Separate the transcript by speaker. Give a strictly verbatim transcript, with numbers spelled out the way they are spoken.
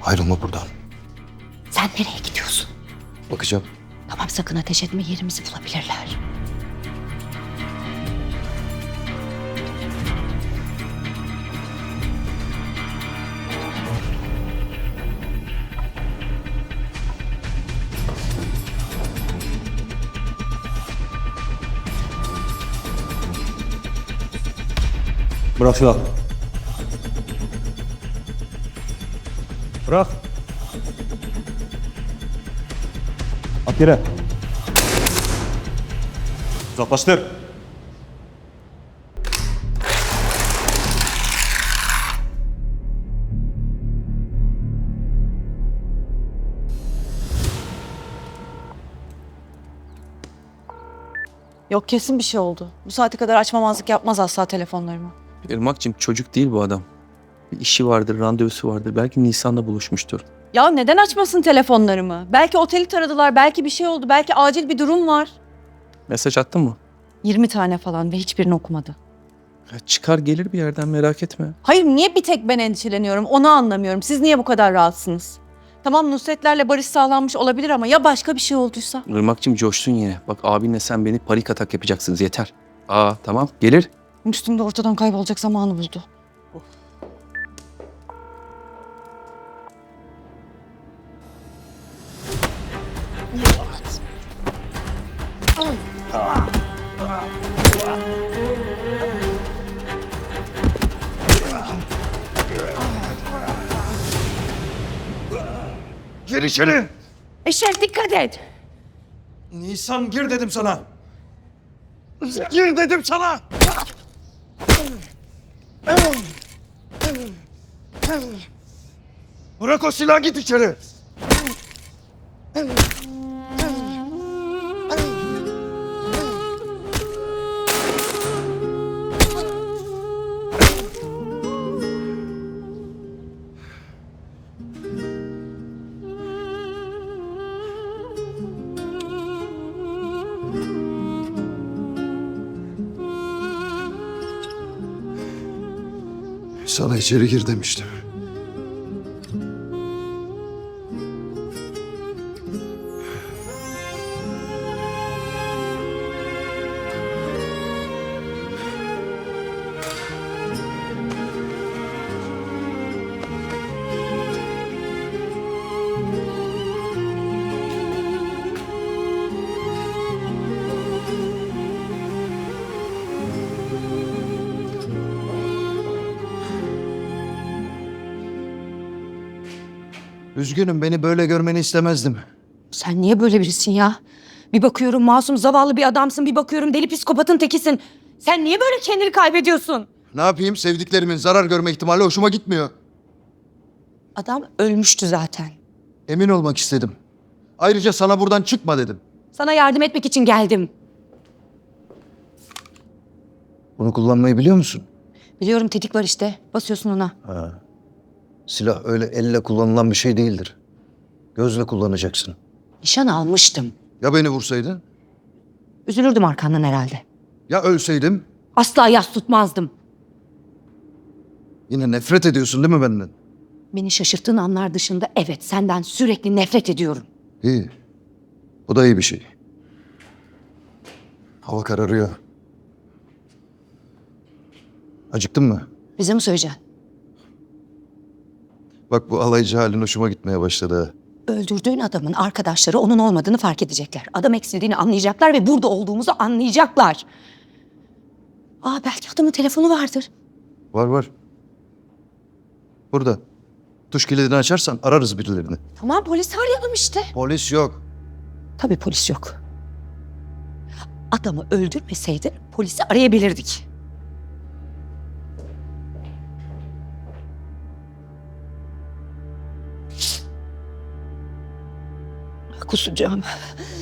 Speaker 1: Ayrılma buradan.
Speaker 2: Sen nereye gidiyorsun?
Speaker 1: Bakacağım.
Speaker 2: Tamam, sakın ateş etme, yerimizi bulabilirler.
Speaker 3: Bırak silahı. Bırak. At yere. Uzaklaştır.
Speaker 4: Yok, kesin bir şey oldu. Bu saate kadar açmamazlık yapmaz asla telefonlarımı.
Speaker 5: Irmak'cığım çocuk değil bu adam. Bir işi vardır, randevusu vardır. Belki Nisan'da buluşmuştur.
Speaker 4: Ya neden açmasın telefonlarımı? Belki oteli taradılar, belki bir şey oldu, belki acil bir durum var.
Speaker 5: Mesaj attın mı?
Speaker 4: yirmi tane falan ve hiçbirini okumadı.
Speaker 5: Ya çıkar gelir bir yerden, merak etme.
Speaker 4: Hayır, niye bir tek ben endişeleniyorum onu anlamıyorum. Siz niye bu kadar rahatsınız? Tamam, Nusretlerle barış sağlanmış olabilir ama ya başka bir şey olduysa?
Speaker 5: Irmak'cığım coştun yine. Bak abinle sen beni panik atak yapacaksınız, yeter. Aa tamam gelir.
Speaker 4: Üstümde ortadan kaybolacak zamanı buldu.
Speaker 1: Gir içeri.
Speaker 2: Eşref, dikkat et.
Speaker 1: Nisan gir dedim sana. Gir dedim sana. Bırak o silahı, git içeri. Sana içeri gir demiştim. Üzgünüm, beni böyle görmeni istemezdim.
Speaker 2: Sen niye böyle birisin ya? Bir bakıyorum masum, zavallı bir adamsın, bir bakıyorum deli psikopatın tekisin. Sen niye böyle kendini kaybediyorsun?
Speaker 1: Ne yapayım, sevdiklerimin zarar görme ihtimali hoşuma gitmiyor.
Speaker 2: Adam ölmüştü zaten.
Speaker 1: Emin olmak istedim. Ayrıca sana buradan çıkma dedim.
Speaker 2: Sana yardım etmek için geldim.
Speaker 1: Bunu kullanmayı biliyor musun?
Speaker 2: Biliyorum, tetik var işte. Basıyorsun ona.
Speaker 1: Ha. Silah öyle elle kullanılan bir şey değildir. Gözle kullanacaksın.
Speaker 2: Nişan almıştım.
Speaker 1: Ya beni vursaydın?
Speaker 2: Üzülürdüm arkandan herhalde.
Speaker 1: Ya ölseydim?
Speaker 2: Asla yas tutmazdım.
Speaker 1: Yine nefret ediyorsun değil mi benden?
Speaker 2: Beni şaşırttığın anlar dışında evet, senden sürekli nefret ediyorum.
Speaker 1: İyi. Bu da iyi bir şey. Hava kararıyor. Acıktın mı?
Speaker 2: Bize mi söyleyeceksin?
Speaker 1: Bak bu alaycı halin hoşuma gitmeye başladı ha.
Speaker 2: Öldürdüğün adamın arkadaşları onun olmadığını fark edecekler. Adam eksildiğini anlayacaklar ve burada olduğumuzu anlayacaklar. Aa, belki adamın telefonu vardır.
Speaker 1: Var var. Burada. Tuş kilidini açarsan ararız birilerini.
Speaker 2: Tamam, polisi arayalım işte.
Speaker 1: Polis yok.
Speaker 2: Tabii polis yok. Adamı öldürmeseydin polisi arayabilirdik. Kusacağım.